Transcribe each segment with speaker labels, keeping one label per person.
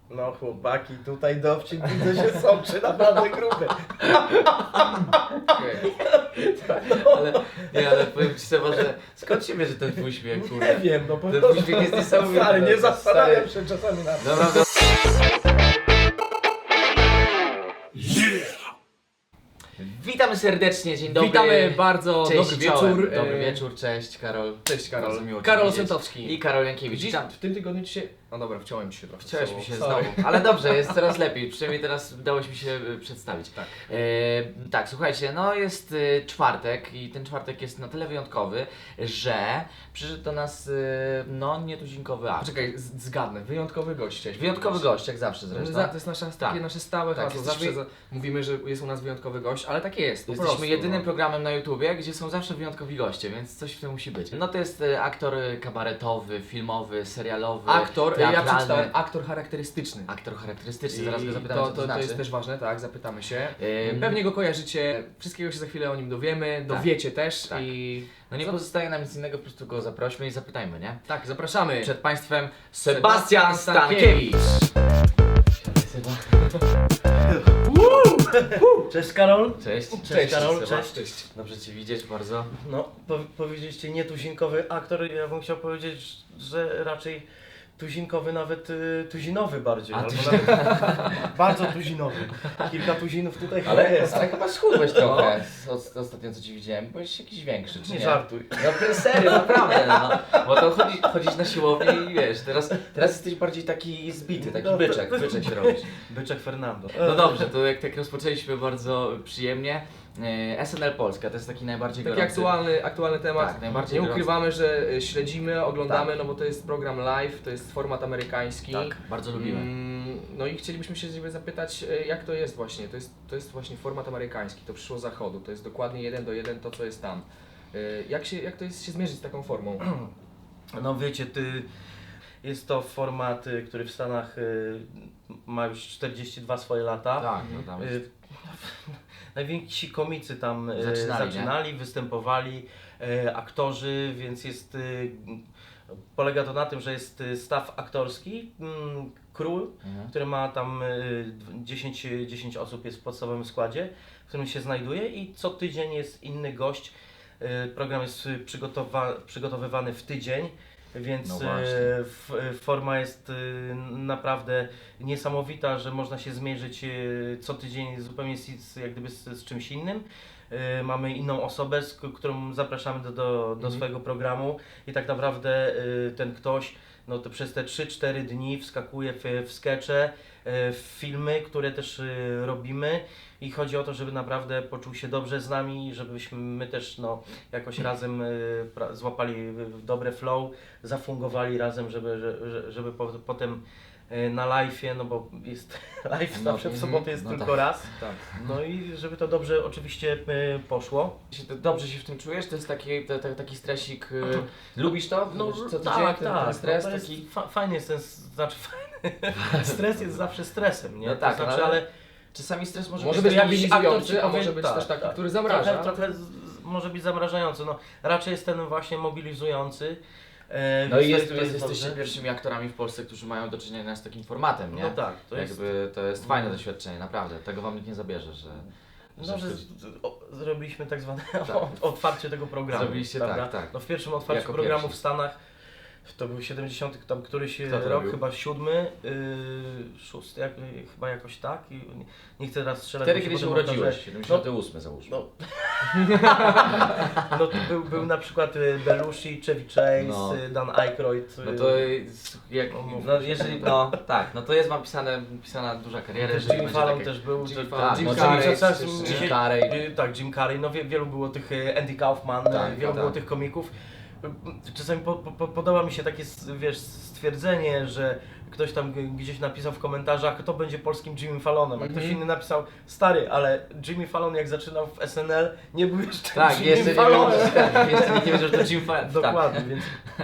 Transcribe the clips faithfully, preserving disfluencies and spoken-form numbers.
Speaker 1: No chłopaki, tutaj dowcip widzę się sączy naprawdę gruby.
Speaker 2: Okay. Ale, nie, ale powiem ci Seba, że skąd się bierze ten twój śmiech, kurde?
Speaker 1: Nie wiem, no po
Speaker 2: Ten
Speaker 1: prostu.
Speaker 2: uśmiech jest niesamowity.
Speaker 1: Stary, nie
Speaker 2: Stary.
Speaker 1: zastanawiam się czasami na to.
Speaker 2: Dobra, dobra. Witamy serdecznie, dzień dobry.
Speaker 3: Witamy bardzo,
Speaker 2: Cześć,
Speaker 3: dobry
Speaker 2: czołem.
Speaker 3: wieczór.
Speaker 2: Dobry
Speaker 3: E,
Speaker 2: wieczór, cześć Karol.
Speaker 3: Cześć Karol.
Speaker 2: Bardzo miło Cię
Speaker 3: Karol
Speaker 2: widzieć.
Speaker 3: Osentowski.
Speaker 2: I Karol Jankiewicz.
Speaker 3: Dziś,
Speaker 2: Witam.
Speaker 3: w tym tygodniu ci się... No dobra, wciąłem ci się trochę.
Speaker 2: Chciałeś
Speaker 3: z
Speaker 2: mi
Speaker 3: sobą.
Speaker 2: się
Speaker 3: Sorry.
Speaker 2: znowu, ale dobrze, jest coraz lepiej, przynajmniej teraz udało mi się e, przedstawić.
Speaker 3: Tak.
Speaker 2: E, tak, słuchajcie, no jest e, czwartek i ten czwartek jest na tyle wyjątkowy, że przyszedł do nas e, no nietuzinkowy akt.
Speaker 3: Poczekaj, z- zgadnę. Wyjątkowy gość chciałeś
Speaker 2: Wyjątkowy
Speaker 3: powiedzieć.
Speaker 2: gość, jak zawsze zresztą.
Speaker 3: Za, to jest nasza,
Speaker 2: Tak.
Speaker 3: takie nasze stałe
Speaker 2: Tak,
Speaker 3: hasło.
Speaker 2: jesteśmy-
Speaker 3: Zawsze za, mówimy, że jest u nas wyjątkowy gość, ale tak jest. Po
Speaker 2: Jesteśmy
Speaker 3: prostu,
Speaker 2: jedynym
Speaker 3: no.
Speaker 2: programem na YouTubie, gdzie są zawsze wyjątkowi goście, więc coś w tym musi być. No to jest e, aktor e, kabaretowy, filmowy, serialowy,
Speaker 3: Aktor, ja
Speaker 2: teatralny.
Speaker 3: przeczytałem aktor charakterystyczny.
Speaker 2: Aktor charakterystyczny,
Speaker 3: I
Speaker 2: zaraz go zapytamy,
Speaker 3: to,
Speaker 2: co to,
Speaker 3: to, to
Speaker 2: znaczy.
Speaker 3: jest też ważne, tak, zapytamy się.
Speaker 2: Ym.
Speaker 3: Pewnie go kojarzycie, wszystkiego się za chwilę o nim dowiemy, dowiecie też
Speaker 2: Tak.
Speaker 3: i...
Speaker 2: No nie
Speaker 3: Co-
Speaker 2: pozostaje nam nic innego, po prostu go zaprośmy i zapytajmy, nie?
Speaker 3: Tak, zapraszamy.
Speaker 2: Przed Państwem Sebastian
Speaker 3: Sebastian
Speaker 2: Stankiewicz.
Speaker 1: Cześć Karol.
Speaker 2: Cześć.
Speaker 1: Cześć Karol,
Speaker 2: Seba.
Speaker 1: cześć.
Speaker 3: Cześć.
Speaker 2: Dobrze Cię widzieć bardzo.
Speaker 1: No, po, powiedzieliście nietuzinkowy aktor, ja bym chciał powiedzieć, że raczej tuzinkowy, nawet y, tuzinowy bardziej.
Speaker 2: A,
Speaker 1: albo
Speaker 2: tuzin-
Speaker 1: nawet bardzo tuzinowy. Kilka tuzinów tutaj chyba
Speaker 2: Ale,
Speaker 1: jest.
Speaker 2: ale chyba schudłeś trochę z, od, ostatnio co Ci widziałem, byłeś jakiś większy, czy nie?
Speaker 1: Nie żartuj.
Speaker 2: No serio, naprawdę, no. Bo to chodzi, chodzisz na siłownię i wiesz, teraz, teraz jesteś bardziej taki zbity, taki
Speaker 1: No,
Speaker 2: byczek, byczek się robisz.
Speaker 1: Byczek Fernando.
Speaker 2: No dobrze, to jak tak rozpoczęliśmy bardzo przyjemnie, e, S N L Polska to jest taki najbardziej
Speaker 3: Taki
Speaker 2: gorący.
Speaker 3: aktualny, aktualny temat.
Speaker 2: Tak, najbardziej
Speaker 3: Nie
Speaker 2: gorący.
Speaker 3: ukrywamy, że y, śledzimy, oglądamy,
Speaker 2: Tak.
Speaker 3: no bo to jest program live, to jest format amerykański.
Speaker 2: Tak, bardzo lubimy.
Speaker 3: Mm, no i chcielibyśmy się Ciebie zapytać, y, jak to jest właśnie? To jest, to jest właśnie format amerykański, to przyszło z zachodu, to jest dokładnie jeden do jeden to, co jest tam. Y, Jak, się, jak to jest się zmierzyć z taką formą?
Speaker 1: No wiecie, ty, jest to format, y, który w Stanach y, ma już czterdzieści dwa swoje lata.
Speaker 2: Tak, no tam jest.
Speaker 1: Y, Najwięksi komicy tam y,
Speaker 2: Zaczynali,
Speaker 1: zaczynali, występowali, y, aktorzy, więc jest, y, polega to na tym, że jest y, staw aktorski, mm, król,
Speaker 2: Mhm.
Speaker 1: który ma tam y, dziesięć, dziesięć osób jest w podstawowym składzie, w którym się znajduje i co tydzień jest inny gość. Y, Program jest y, przygotowa przygotowywany w tydzień, więc
Speaker 2: No
Speaker 1: y,
Speaker 2: właśnie.
Speaker 1: f forma jest y, naprawdę niesamowita, że można się zmierzyć y, co tydzień zupełnie z, z, jak gdyby z, z czymś innym. Y, Mamy inną osobę, z k- którą zapraszamy do, do, do
Speaker 3: Mhm.
Speaker 1: swojego programu i tak naprawdę y, ten ktoś no to przez te trzy cztery dni wskakuje w, w skecze, y, w filmy, które też y, robimy i chodzi o to, żeby naprawdę poczuł się dobrze z nami, żebyśmy my też no, jakoś razem y, pra- złapali w- dobre flow, zafungowali razem, żeby, że- że, żeby po, potem y, na live'ie, no bo jest live
Speaker 2: No,
Speaker 1: zawsze w
Speaker 2: mhm,
Speaker 1: sobotę jest
Speaker 2: no
Speaker 1: tylko
Speaker 2: tak.
Speaker 1: raz,
Speaker 3: Tak.
Speaker 1: no i żeby to dobrze oczywiście y, poszło.
Speaker 2: Się to- Dobrze się w tym czujesz? To jest taki, to, to, taki stresik. y, Lubisz to?
Speaker 1: No
Speaker 2: co tydzień
Speaker 1: tak,
Speaker 2: ten,
Speaker 1: tak,
Speaker 2: ten stres
Speaker 1: no, to jest
Speaker 2: taki.
Speaker 1: fa- fajny jest ten, s- znaczy fajny, stres jest zawsze stresem, nie?
Speaker 2: No
Speaker 1: To
Speaker 2: tak,
Speaker 1: znaczy,
Speaker 2: ale-
Speaker 1: ale
Speaker 2: Czasami stres może,
Speaker 3: Może
Speaker 2: być
Speaker 3: być
Speaker 2: taki-
Speaker 1: jakiś
Speaker 3: mobilizujący,
Speaker 1: aktor ci
Speaker 3: a
Speaker 1: powie-
Speaker 3: może być
Speaker 1: tak,
Speaker 3: też taki,
Speaker 1: tak.
Speaker 3: który zamraża.
Speaker 1: Trochę, trochę z, z, może być zamrażający, no raczej jest ten właśnie mobilizujący. E,
Speaker 2: No
Speaker 1: więc
Speaker 2: i
Speaker 1: to
Speaker 2: jest,
Speaker 1: to
Speaker 2: jest, jesteście
Speaker 1: dobrze.
Speaker 2: pierwszymi aktorami w Polsce, którzy mają do czynienia z takim formatem, nie?
Speaker 1: No tak, to jest.
Speaker 2: Jakby to jest fajne doświadczenie, naprawdę. Tego wam nikt nie zabierze, że.
Speaker 1: No, że z, z, o, zrobiliśmy tak zwane
Speaker 2: Tak.
Speaker 1: otwarcie tego programu.
Speaker 2: Zrobiliście
Speaker 1: prawda?
Speaker 2: tak, tak.
Speaker 1: No w pierwszym otwarciu
Speaker 2: Jako
Speaker 1: programu
Speaker 2: pierwsi.
Speaker 1: w Stanach to był siedemdziesiąty tam któryś
Speaker 2: Kto to
Speaker 1: rok,
Speaker 2: robił?
Speaker 1: chyba siódmy, yy, szósty, jak, chyba jakoś tak. I nie, nie chcę teraz strzelać.
Speaker 2: Wtedy,
Speaker 1: bo
Speaker 2: kiedy się
Speaker 1: potem okaże-
Speaker 2: urodziłeś, siedemdziesiąty ósmy załóżmy.
Speaker 1: No, no to był, był na przykład y, Belushi, Chevy Chase,
Speaker 2: No.
Speaker 1: y, Dan Aykroyd. y,
Speaker 2: No to jest- jak,
Speaker 1: No, mów.
Speaker 2: no jeżeli, no tak, no to jest wam pisane, pisana duża kariera,
Speaker 1: też
Speaker 2: jeżeli
Speaker 1: Jimmy
Speaker 2: będzie
Speaker 1: Fallon
Speaker 2: takie-
Speaker 1: też był.
Speaker 3: Jimmy
Speaker 1: to-
Speaker 3: Fallon,
Speaker 2: Tak,
Speaker 3: Jim
Speaker 2: no,
Speaker 3: Carrey,
Speaker 2: Jimmy-
Speaker 1: czas-
Speaker 3: też,
Speaker 1: dzisiaj-
Speaker 2: Jim Carrey.
Speaker 1: y, Tak, Jim Carrey, no wie, wielu było tych, y, Andy Kaufman,
Speaker 2: Tak,
Speaker 1: y, wielu
Speaker 2: tak.
Speaker 1: było tych komików. Y, Czasami po, po, podoba mi się takie, s- wiesz, stwierdzenie, że ktoś tam g- gdzieś napisał w komentarzach, kto będzie polskim Jimmy Fallonem, a ktoś
Speaker 3: Mhm.
Speaker 1: inny napisał, stary, ale Jimmy Fallon jak zaczynał w S N L, nie był jeszcze
Speaker 2: Tak,
Speaker 1: Jimmy
Speaker 2: jeszcze nie,
Speaker 1: Fallonem.
Speaker 2: wiedział, tak, jeszcze nie wiedział, że to Jim Fallon. Tak.
Speaker 1: Dokładnie, więc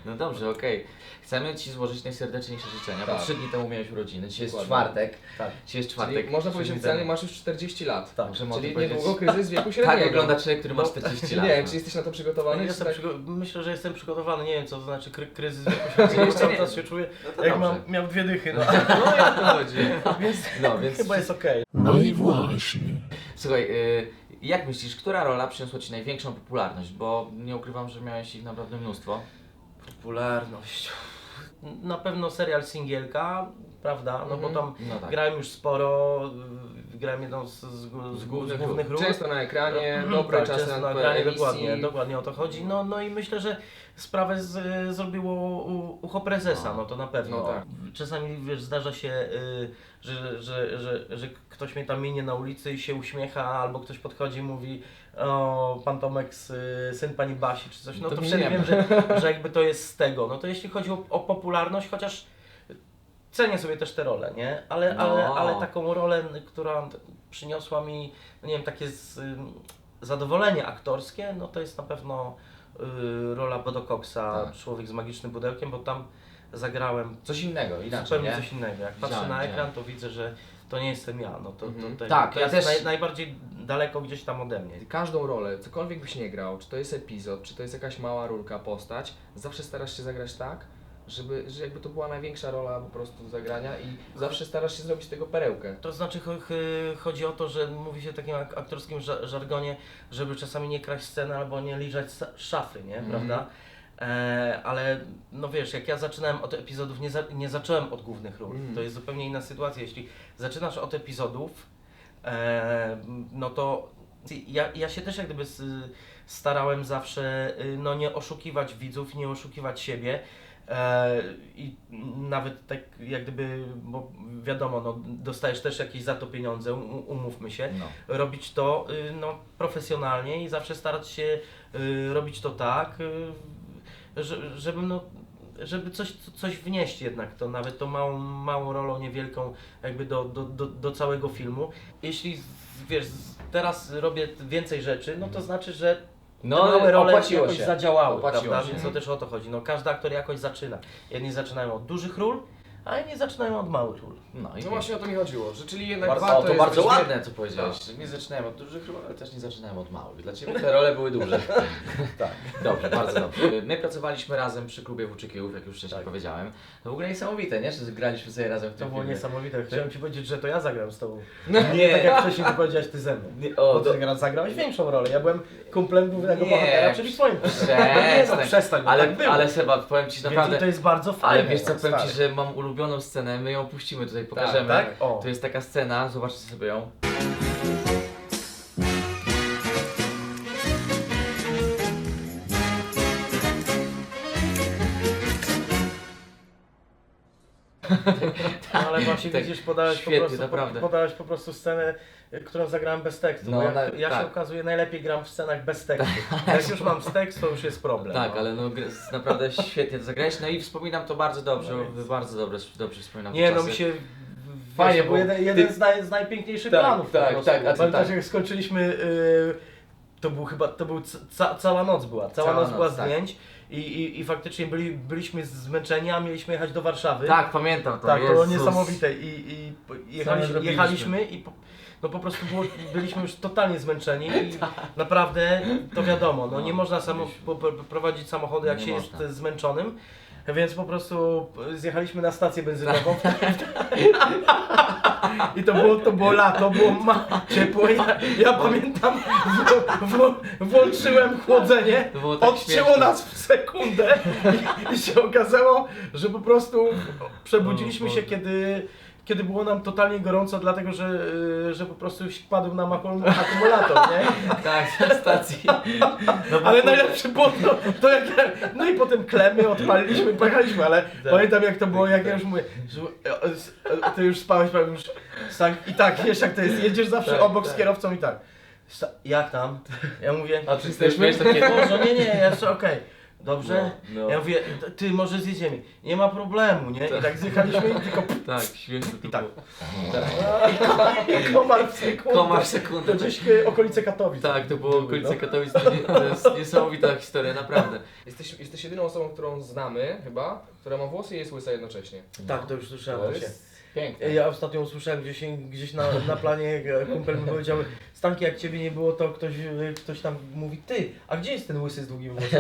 Speaker 2: No dobrze, okej. Chcemy Ci złożyć najserdeczniejsze życzenia, bo
Speaker 3: Tak.
Speaker 2: trzy dni temu miałeś urodziny, dzisiaj jest
Speaker 3: Dokładnie.
Speaker 2: czwartek.
Speaker 1: Tak.
Speaker 2: Dzisiaj jest
Speaker 3: Czyli
Speaker 2: czwartek.
Speaker 3: można
Speaker 2: trzy
Speaker 3: powiedzieć
Speaker 2: dni
Speaker 3: oficjalnie
Speaker 2: temu.
Speaker 3: masz już czterdzieści lat.
Speaker 1: Tak.
Speaker 2: Możemy o tym
Speaker 3: Czyli
Speaker 2: powiedzieć.
Speaker 3: niedługo kryzys wieku średniego.
Speaker 2: Tak wygląda człowiek, który ma
Speaker 1: No,
Speaker 2: czterdzieści lat.
Speaker 3: Nie wiem,
Speaker 2: no.
Speaker 3: czy jesteś na to
Speaker 1: No,
Speaker 3: przygotowany? czy
Speaker 1: jestem
Speaker 3: tak...
Speaker 1: przygo- myślę, że jestem przygotowany, nie wiem co to znaczy kry- kryzys wieku
Speaker 2: Czyli
Speaker 1: średniego,
Speaker 2: jeszcze
Speaker 1: cały
Speaker 2: nie.
Speaker 1: czas się czuję,
Speaker 2: No to
Speaker 1: jak
Speaker 2: dobrze.
Speaker 1: mam, miał dwie dychy, no.
Speaker 2: No i o to chodzi.
Speaker 1: więc,
Speaker 2: No, więc
Speaker 1: chyba jest okej.
Speaker 4: No i właśnie.
Speaker 2: Słuchaj, y, jak myślisz, która rola przyniosła Ci największą popularność? Bo nie ukrywam, że miałeś ich naprawdę mnóstwo.
Speaker 1: Popularność. Na pewno serial Singielka, prawda? No bo
Speaker 3: Mhm.
Speaker 1: tam
Speaker 2: No tak.
Speaker 1: grałem już sporo, y, grałem jedną z, z, z,
Speaker 2: głównych
Speaker 1: z głównych ról.
Speaker 3: Często na ekranie,
Speaker 1: Mhm,
Speaker 3: dobre
Speaker 1: tak,
Speaker 3: czasy
Speaker 1: często
Speaker 3: na
Speaker 1: na ekranie,
Speaker 3: emisji.
Speaker 1: dokładnie, dokładnie o to chodzi. No, no i myślę, że sprawę z, zrobiło u, ucho prezesa, no to na pewno.
Speaker 3: No tak.
Speaker 1: Czasami wiesz, zdarza się, y, że, że, że, że ktoś mnie tam minie na ulicy i się uśmiecha, albo ktoś podchodzi i mówi: o, pan Tomek, y, syn pani Basi, czy coś. No
Speaker 3: To
Speaker 1: to,
Speaker 3: mi
Speaker 1: wtedy
Speaker 3: nie
Speaker 1: wiem,
Speaker 3: ma.
Speaker 1: że, że jakby to jest z tego. No to jeśli chodzi o, o popularność, chociaż cenię sobie też te role, nie? Ale,
Speaker 2: No.
Speaker 1: ale, ale taką rolę, która przyniosła mi, no nie wiem, takie z, ym, zadowolenie aktorskie, no to jest na pewno y, rola Bodo Coxa,
Speaker 3: Tak.
Speaker 1: Człowiek z magicznym pudełkiem, bo tam zagrałem
Speaker 2: Coś innego, inaczej,
Speaker 1: zupełnie
Speaker 2: nie?
Speaker 1: coś innego. Jak patrzę
Speaker 2: Widziałem,
Speaker 1: na
Speaker 2: widziałem.
Speaker 1: ekran, to widzę, że to nie jestem ja, no to,
Speaker 3: Mhm.
Speaker 1: to, to,
Speaker 2: Tak,
Speaker 1: to
Speaker 2: ja
Speaker 1: jest
Speaker 2: też-
Speaker 1: naj, najbardziej daleko gdzieś tam ode mnie.
Speaker 3: Każdą rolę, cokolwiek byś nie grał, czy to jest epizod, czy to jest jakaś mała rulka, postać, zawsze starasz się zagrać tak, żeby, że jakby to była największa rola po prostu do zagrania i zawsze starasz się zrobić z tego perełkę.
Speaker 1: To znaczy cho- ch- chodzi o to, że mówi się w takim ak- aktorskim ża- żargonie, żeby czasami nie kraść sceny albo nie liżać sa- szafy, nie?
Speaker 3: Mhm.
Speaker 1: Prawda? E, ale no wiesz, jak ja zaczynałem od epizodów, nie, za, nie zacząłem od głównych ról.
Speaker 3: Mhm.
Speaker 1: To jest zupełnie inna sytuacja. Jeśli zaczynasz od epizodów, e, no to ja, ja się też jak gdyby s- starałem zawsze y, no, nie oszukiwać widzów, nie oszukiwać siebie. E, I nawet tak jak gdyby, bo wiadomo, no, dostajesz też jakieś za to pieniądze, um- umówmy się,
Speaker 2: No.
Speaker 1: robić to y, no, profesjonalnie i zawsze starać się y, robić to tak, y, że, żeby, no, żeby coś, coś wnieść jednak, to nawet tą małą, małą rolą niewielką jakby do, do, do, do całego filmu. Jeśli wiesz, teraz robię więcej rzeczy, no to znaczy, że
Speaker 2: No,
Speaker 1: te małe role
Speaker 2: opłaciło
Speaker 1: jakoś
Speaker 2: się.
Speaker 1: zadziałały,
Speaker 2: Opłaciło
Speaker 1: prawda?
Speaker 2: się.
Speaker 1: Więc to też o to chodzi. No, każdy aktor jakoś zaczyna. Jedni zaczynają od dużych ról, a inni zaczynają od małych ról.
Speaker 2: No i
Speaker 3: No właśnie o to mi chodziło, że czyli jednak
Speaker 2: bardzo,
Speaker 3: warto
Speaker 2: o, to
Speaker 3: jest
Speaker 2: bardzo
Speaker 3: być-
Speaker 2: ładne, co powiedziałeś. Nie zaczynałem od dużych ról, ale też nie zaczynałem od małych. Dla Ciebie te role były duże.
Speaker 1: Tak.
Speaker 2: Dobrze, bardzo dobrze. My pracowaliśmy razem przy klubie Włóczykijów, jak już wcześniej
Speaker 1: Tak.
Speaker 2: powiedziałem. To w ogóle niesamowite, nie? Że graliśmy sobie razem w
Speaker 1: To
Speaker 2: tym
Speaker 1: było
Speaker 2: filmie.
Speaker 1: niesamowite. Chciałem Ci powiedzieć, że to ja zagram z Tobą.
Speaker 2: Nie,
Speaker 1: Tak jak wcześniej Ty powiedziałeś, Ty ze mną.
Speaker 2: nie, o,
Speaker 1: Bo
Speaker 2: do...
Speaker 1: Ty gra- zagrałeś większą rolę. Ja byłem kumplem głównego
Speaker 2: Nie,
Speaker 1: bohatera, czyli Twoim. Nie, no, przestań, bo
Speaker 2: ale,
Speaker 1: tak było.
Speaker 2: ale Seba, powiem Ci
Speaker 1: Więc
Speaker 2: naprawdę,
Speaker 1: to jest bardzo fajne.
Speaker 2: ale wiesz co, powiem Ci,
Speaker 1: stary.
Speaker 2: że mam ulubioną scenę, my ją puścimy tutaj, pokażemy.
Speaker 1: Tak? O.
Speaker 2: To jest taka scena, zobaczcie sobie ją.
Speaker 1: No, ale właśnie
Speaker 2: Tak,
Speaker 1: widzisz, podałeś po,
Speaker 2: świetnie,
Speaker 1: prostu,
Speaker 2: naprawdę.
Speaker 1: podałeś po prostu scenę, y, którą zagrałem bez tekstu.
Speaker 2: No,
Speaker 1: bo jak,
Speaker 2: na-
Speaker 1: ja
Speaker 2: tak.
Speaker 1: się okazuje, najlepiej gram w scenach bez tekstu. Jak już mam z tekstu, to już jest problem.
Speaker 2: Tak,
Speaker 1: no.
Speaker 2: ale no gr- naprawdę świetnie to zagrałeś, no i wspominam to bardzo dobrze,
Speaker 1: No więc-
Speaker 2: bardzo dobrze, dobrze wspominam
Speaker 1: Nie,
Speaker 2: te
Speaker 1: no
Speaker 2: czasy.
Speaker 1: mi się...
Speaker 2: Fajnie,
Speaker 1: Fajnie,
Speaker 2: bo
Speaker 1: bo jeden, jeden
Speaker 2: ty-
Speaker 1: z, naj, z najpiękniejszych
Speaker 2: Tak,
Speaker 1: planów.
Speaker 2: tak,
Speaker 1: po prostu.
Speaker 2: tak, a ty
Speaker 1: Pamiętasz,
Speaker 2: tak.
Speaker 1: jak skończyliśmy, y, to był chyba, to był ca, cała noc była, cała,
Speaker 2: Cała
Speaker 1: noc była
Speaker 2: noc, tak.
Speaker 1: zdjęć i, i, i faktycznie byli, byliśmy zmęczeni, a mieliśmy jechać do Warszawy.
Speaker 2: Tak, pamiętam to,
Speaker 1: Tak, to było
Speaker 2: Jezus.
Speaker 1: niesamowite i, i po- jechaliśmy,
Speaker 2: zrobiliśmy.
Speaker 1: jechaliśmy i po, no po prostu było, byliśmy już totalnie zmęczeni i
Speaker 2: Tak.
Speaker 1: naprawdę to wiadomo, no,
Speaker 2: No,
Speaker 1: nie można samo, po, po, prowadzić samochodu jak
Speaker 2: Nie
Speaker 1: się
Speaker 2: można.
Speaker 1: jest zmęczonym, więc po prostu zjechaliśmy na stację benzynową i to było, to było lato, było ma, ciepło, ja, ja pamiętam, w, w, włączyłem chłodzenie,
Speaker 2: To było tak
Speaker 1: odcięło
Speaker 2: śmieszne.
Speaker 1: nas w sekundę i, i się okazało, że po prostu przebudziliśmy
Speaker 2: O
Speaker 1: się,
Speaker 2: Boże.
Speaker 1: kiedy, kiedy było nam totalnie gorąco, dlatego że, y, że po prostu padł nam akum- akumulator, nie?
Speaker 2: Tak, na stacji. No bo
Speaker 1: Ale
Speaker 2: kurde,
Speaker 1: najlepsze było to, to jak, no i potem klemy odpaliliśmy i pojechaliśmy, ale pamiętam jak to było, jak ja już mówię, że e, e, ty już spałeś, powiem już, tak, i tak, wiesz jak to jest, jedziesz zawsze
Speaker 2: Tak,
Speaker 1: obok
Speaker 2: tak.
Speaker 1: z kierowcą i tak, sta- jak tam? Ja mówię,
Speaker 2: A ty jesteśmy takie...
Speaker 1: Boże, nie, nie, jeszcze okej. Dobrze?
Speaker 2: No, no.
Speaker 1: Ja mówię, "T- ty może zjedziemy. Nie ma problemu, nie? I tak zjechaliśmy i tylko
Speaker 2: Tak, śmieszne to
Speaker 1: i tak.
Speaker 2: było.
Speaker 1: I komar w sekundę.
Speaker 2: Komar w sekundę.
Speaker 1: To gdzieś e, okolice Katowic.
Speaker 2: Tak, to było
Speaker 1: były,
Speaker 2: okolice
Speaker 1: no.
Speaker 2: Katowic, to, nie, to jest niesamowita historia, naprawdę.
Speaker 3: Jesteś, jesteś jedyną osobą, którą znamy chyba, która ma włosy i jest łysa jednocześnie.
Speaker 1: Tak, to już słyszałem
Speaker 3: To
Speaker 1: właśnie.
Speaker 3: jest
Speaker 2: Piękne.
Speaker 1: Ja ostatnio usłyszałem gdzieś, gdzieś na, na planie, e, kumpel mi powiedział, Stanki, jak ciebie nie było, to ktoś, e, ktoś tam mówi, ty, a gdzie jest ten łysy z długim włosem?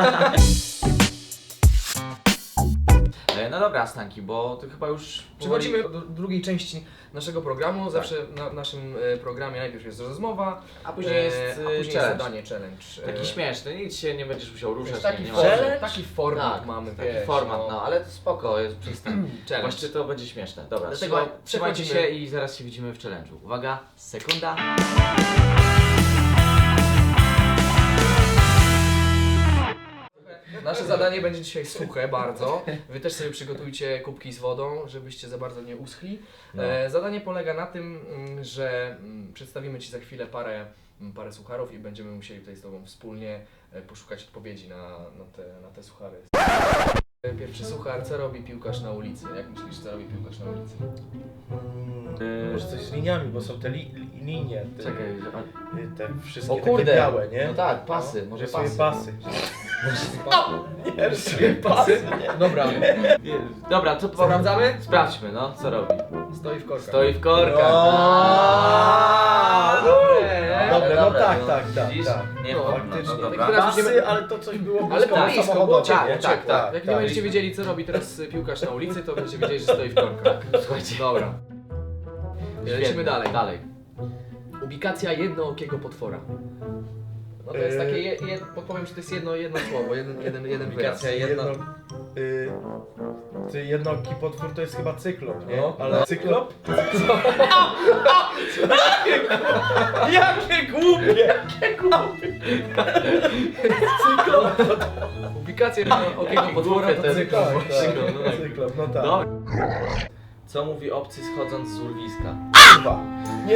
Speaker 2: E, No dobra, Stanki, bo ty chyba już...
Speaker 3: Przechodzimy do drugiej części naszego programu. Zawsze na w naszym e, programie najpierw jest rozmowa,
Speaker 2: A później jest
Speaker 3: e, a
Speaker 2: e,
Speaker 3: później
Speaker 2: challenge.
Speaker 3: zadanie, challenge. e,
Speaker 2: Taki śmieszny, nic się nie będziesz musiał ruszać.
Speaker 3: Taki,
Speaker 2: nie, nie
Speaker 3: format,
Speaker 1: Challenge?
Speaker 3: taki format
Speaker 2: Tak,
Speaker 3: mamy,
Speaker 2: Taki
Speaker 3: wiesz,
Speaker 2: format, no, ale spoko, jest przystęp.
Speaker 3: Challenge.
Speaker 2: Właśnie to będzie śmieszne. Dobra,
Speaker 3: Dlatego
Speaker 2: trzymaj, trzymajcie się
Speaker 3: przechodzimy-
Speaker 2: i zaraz się widzimy w challenge'u. Uwaga, sekunda.
Speaker 3: Nasze zadanie będzie dzisiaj suche bardzo. Wy też sobie przygotujcie kubki z wodą, żebyście za bardzo nie uschli.
Speaker 2: No.
Speaker 3: E, zadanie polega na tym, mm, że mm, przedstawimy Ci za chwilę parę, mm, parę sucharów i będziemy musieli tutaj z Tobą wspólnie e, poszukać odpowiedzi na, na, te, na te suchary. E, Pierwszy suchar, co robi piłkarz na ulicy? Jak myślisz, co robi piłkarz na ulicy?
Speaker 1: Hmm, może coś z liniami, bo są te li, li, linie, te,
Speaker 2: Czekaj,
Speaker 1: y, te wszystkie
Speaker 2: o
Speaker 1: takie
Speaker 2: kurde,
Speaker 1: białe, nie?
Speaker 2: no tak, pasy, może
Speaker 1: Rysuje
Speaker 2: pasy.
Speaker 1: pasy.
Speaker 3: Nie, rysuje pasy. Dobra,
Speaker 2: Nie, Dobra, to po...
Speaker 3: sprawdzamy?
Speaker 2: Sprawdźmy, no, co robi.
Speaker 3: Stoi w korkach.
Speaker 2: Stoi w korkach.
Speaker 1: No.
Speaker 2: Aaaa,
Speaker 3: Dobre,
Speaker 1: Dobre, no
Speaker 2: dobre,
Speaker 1: tak,
Speaker 2: no,
Speaker 1: tak, tak,
Speaker 2: widzisz?
Speaker 1: tak.
Speaker 2: Nie,
Speaker 3: No,
Speaker 2: no,
Speaker 1: faktycznie.
Speaker 2: no, dobra.
Speaker 3: Tak, teraz
Speaker 1: Pasy,
Speaker 3: będziemy-
Speaker 1: ale to coś było
Speaker 3: Ale
Speaker 1: blisko
Speaker 3: to
Speaker 1: na
Speaker 3: blisko,
Speaker 1: samochodowie,
Speaker 3: bo tak,
Speaker 1: nie?
Speaker 3: tak, tak. Jak nie
Speaker 1: tak.
Speaker 3: będziecie wiedzieli, co robi teraz piłkarz na ulicy, to będziecie wiedzieli, że stoi w korkach.
Speaker 2: Słuchajcie.
Speaker 3: Dobra. Lecimy
Speaker 2: Świetnie.
Speaker 3: dalej.
Speaker 2: Dalej.
Speaker 3: Ubikacja jednookiego potwora. No to jest
Speaker 1: Yy.
Speaker 3: takie, je, je, podpowiem, że to jest jedno, jedno słowo, jeden, jeden, jeden wyraz.
Speaker 1: Ubikacja jedno... Y, ty jednooki potwór to jest chyba cyklop, nie?
Speaker 3: No.
Speaker 1: Ale cyklop? Jakie głupie! Jakie głupie! Cyklop!
Speaker 3: Ubikacja jednookiego potwora to
Speaker 2: ten-
Speaker 3: cyklop.
Speaker 1: Tak, tak,
Speaker 2: Cyklop, no tak.
Speaker 1: cyklop, no tak.
Speaker 2: Dobra. Co mówi obcy schodząc z urwiska?
Speaker 1: Chyba. Nie,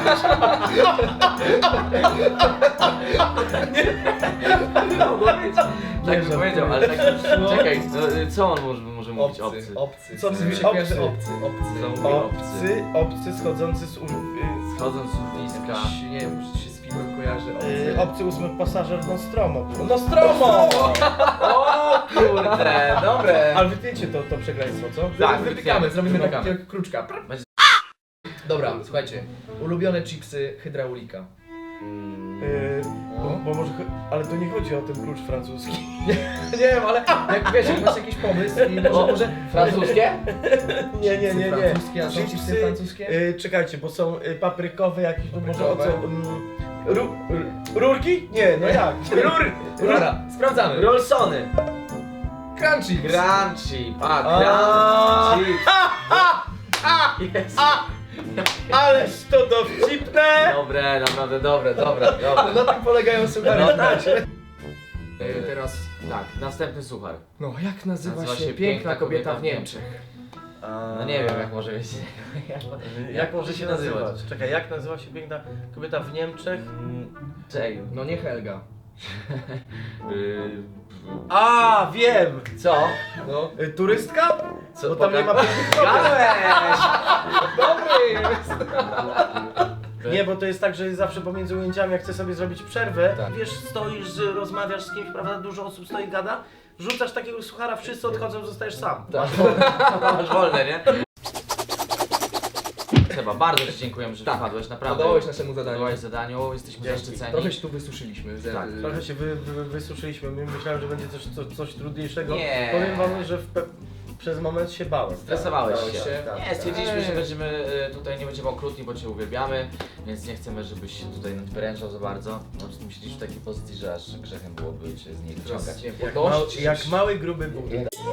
Speaker 2: Tak
Speaker 1: że-
Speaker 2: bym powiedział, ale tak... Czekaj, no, y, co on może, może mówić
Speaker 3: Obcy,
Speaker 2: obcy?
Speaker 3: obcy.
Speaker 1: Co
Speaker 3: Mi
Speaker 1: mówi
Speaker 3: się kojarzy
Speaker 1: obcy?
Speaker 3: obcy, obcy.
Speaker 2: Co mówi obcy?
Speaker 1: obcy, obcy schodzący z... ur-
Speaker 2: Schodząc z urwiska.
Speaker 3: Jakiś, nie wiem, może się z filmem kojarzy
Speaker 1: y,
Speaker 3: obcy.
Speaker 1: y, obcy ósmy pasażer Nostromo. Nostromo!
Speaker 2: O kurde, dobre.
Speaker 1: Ale wytniecie to, to przekleństwo, co?
Speaker 2: Tak,
Speaker 3: Wytykamy, zrobimy
Speaker 2: wytykamy.
Speaker 3: takiego kruczka.
Speaker 2: Będzie-
Speaker 3: Dobra, słuchajcie. Ulubione chipsy hydraulika.
Speaker 1: Yy, bo,
Speaker 3: No.
Speaker 1: bo może, ale to nie chodzi o ten klucz francuski.
Speaker 3: Nie wiem, ale jak wiesz, jak masz jakiś pomysł i może,
Speaker 2: O,
Speaker 3: może
Speaker 2: Francuskie?
Speaker 1: Nie, nie, nie, nie.
Speaker 3: Francuskie, a są chipsy
Speaker 1: Chipsy,
Speaker 3: francuskie?
Speaker 1: Yy, czekajcie, bo są y, paprykowe jakieś, no może o co...
Speaker 3: Paprykowe.
Speaker 1: Mm, ru, r, rurki? Nie, no jak? Rur,
Speaker 3: Dobra, sprawdzamy.
Speaker 2: Rollsony.
Speaker 3: Crunchy.
Speaker 2: Grand chip. A,
Speaker 1: A.
Speaker 2: grand chip. Jest.
Speaker 1: Ależ to dowcipne!
Speaker 2: Dobre, naprawdę dobre, dobre, dobre.
Speaker 3: Ale na tym polegają suchary.
Speaker 2: No tak.
Speaker 3: E, Teraz,
Speaker 2: Tak, następny suchar.
Speaker 3: no jak nazywa,
Speaker 2: Nazywa
Speaker 3: się,
Speaker 2: się
Speaker 3: piękna kobieta w Niemczech?
Speaker 2: No nie wiem, jak może być.
Speaker 1: Jak może się nazywać? Czekaj, jak nazywa się piękna kobieta w Niemczech?
Speaker 2: Czej.
Speaker 3: No nie Helga.
Speaker 2: Yy,
Speaker 1: A, wiem!
Speaker 2: Co?
Speaker 3: No.
Speaker 1: Y, turystka?
Speaker 2: Co?
Speaker 1: Bo tam nie ma pięknych kobiet.
Speaker 2: Gałeś!
Speaker 3: Dobry jest!
Speaker 1: Nie, bo to jest tak, że zawsze pomiędzy ujęciami, jak chcę sobie zrobić przerwę,
Speaker 3: Tak.
Speaker 1: wiesz, stoisz, że rozmawiasz z kimś, prawda, dużo osób stoi, gada, wrzucasz takiego suchara, wszyscy odchodzą, zostajesz sam.
Speaker 2: Tak. Masz wolne, nie? Seba, bardzo Ci dziękujemy, że
Speaker 3: Tak.
Speaker 2: wpadłeś, naprawdę.
Speaker 3: Podobałeś naszemu zadaniu.
Speaker 2: Podobałeś zadaniu, jesteśmy
Speaker 1: Dzięki.
Speaker 2: zaszczyceni.
Speaker 3: Trochę się tu wysuszyliśmy. Ze-
Speaker 2: Tak,
Speaker 1: Trochę się wy, wy, wysuszyliśmy, My- myślałem, że będzie coś, coś, coś trudniejszego.
Speaker 2: Nie.
Speaker 1: Powiem wam, że w pe... przez moment się bałem.
Speaker 2: Stresowałeś
Speaker 3: Bałeś
Speaker 2: się.
Speaker 3: się?
Speaker 1: Tak,
Speaker 2: Nie, stwierdziliśmy,
Speaker 3: Ej.
Speaker 2: że będziemy e, tutaj nie będziemy okrutni, bo Cię uwielbiamy, więc nie chcemy, żebyś się tutaj nadwyręczał za bardzo. No, myśleliśmy w takiej pozycji, że aż grzechem byłoby Cię z niej
Speaker 3: Teraz,
Speaker 2: wyciągać.
Speaker 3: nie wiem,
Speaker 1: Jak,
Speaker 3: podnoś-
Speaker 1: mał, jak mały, gruby Bóg.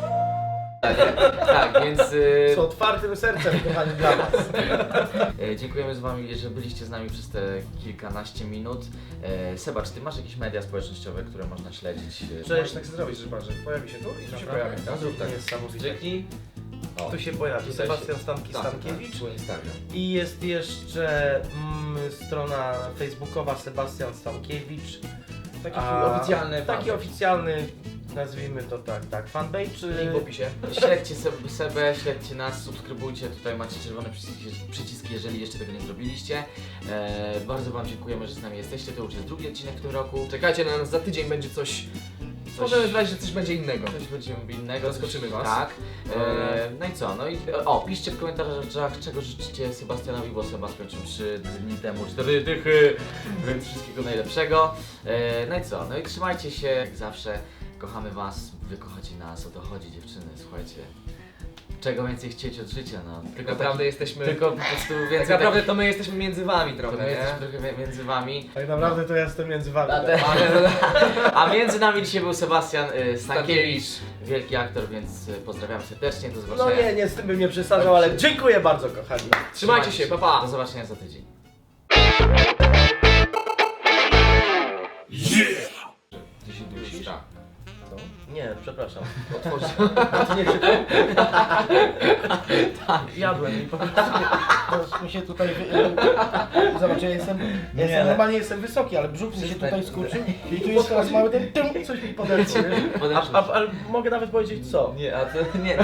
Speaker 2: Tak, więc e,
Speaker 1: Z otwartym sercem, kochani, dla was.
Speaker 2: e, dziękujemy z Wami, że byliście z nami przez te kilkanaście minut. E, Seba, czy Ty masz jakieś media społecznościowe, które można śledzić? E,
Speaker 1: Cześć.
Speaker 3: Możesz tak zrobić, że patrz, że pojawi się tu i tu się
Speaker 1: Naprawdę?
Speaker 3: pojawi. No zrób tak.
Speaker 1: Niesamowite.
Speaker 2: Dzięki. O,
Speaker 1: Tu się pojawi
Speaker 2: tutaj
Speaker 1: Sebastian
Speaker 2: się-
Speaker 1: Stanki
Speaker 2: tak,
Speaker 1: Stankiewicz.
Speaker 2: tak, swój Instagram.
Speaker 1: I jest jeszcze mm, strona facebookowa Sebastian Stankiewicz.
Speaker 2: Taki
Speaker 1: A,
Speaker 2: oficjalny
Speaker 1: Taki
Speaker 2: fanpage.
Speaker 1: oficjalny nazwijmy to tak, tak, fanpage czy...
Speaker 3: Link w opisie.
Speaker 2: Śledźcie Se- Sebę, śledźcie nas, subskrybujcie, tutaj macie czerwone przyciski, przyciski jeżeli jeszcze tego nie zrobiliście. E, bardzo Wam dziękujemy, że z nami jesteście, to już jest drugi odcinek w tym roku.
Speaker 3: Czekajcie na nas, za tydzień będzie coś...
Speaker 2: Coś-
Speaker 3: Możemy znać, że coś będzie innego.
Speaker 2: Coś będziemy innego.
Speaker 3: Zaskoczymy
Speaker 2: coś-
Speaker 3: was.
Speaker 2: Tak. E, no i co? No i o, piszcie w komentarzach, czego życzycie Sebastianowi, bo Seba skończył trzy dni temu cztery dychy, więc wszystkiego najlepszego. E, no i co? No i trzymajcie się, jak zawsze. Kochamy was, wy kochacie nas, o to chodzi dziewczyny, słuchajcie. Czego więcej chcieć od życia, no.
Speaker 3: Tak
Speaker 2: Tylko
Speaker 3: naprawdę
Speaker 2: taki,
Speaker 3: jesteśmy...
Speaker 2: tylko po prostu więcej
Speaker 3: tak naprawdę to my jesteśmy między wami
Speaker 2: taki,
Speaker 3: trochę,
Speaker 2: to my jesteśmy
Speaker 3: nie?
Speaker 2: trochę między wami.
Speaker 1: Tak naprawdę to ja jestem między wami.
Speaker 2: A, te, a między nami dzisiaj był Sebastian y, Stankiewicz,
Speaker 3: Stankiewicz.
Speaker 2: wielki aktor, więc y, pozdrawiam serdecznie, do
Speaker 1: No
Speaker 2: zobaczenia.
Speaker 1: nie, nie, z tym bym nie przesadzał, ale dziękuję bardzo kochani.
Speaker 3: Trzymajcie się, pa pa!
Speaker 2: Do zobaczenia za tydzień.
Speaker 3: Ty się dusisz? Tak.
Speaker 1: Nie, przepraszam.
Speaker 3: Otworzył.
Speaker 1: A ty nie czytał? Tak. Jadłem i po prostu to mi się tutaj... wy- Zobacz, ja jestem, ja jestem normalnie jestem wysoki, ale brzuch mi się tutaj skurczył i tu jest teraz mały ten tym, coś mi podeszło, wiesz? A, a, a mogę nawet powiedzieć co?
Speaker 2: Nie, a to nie.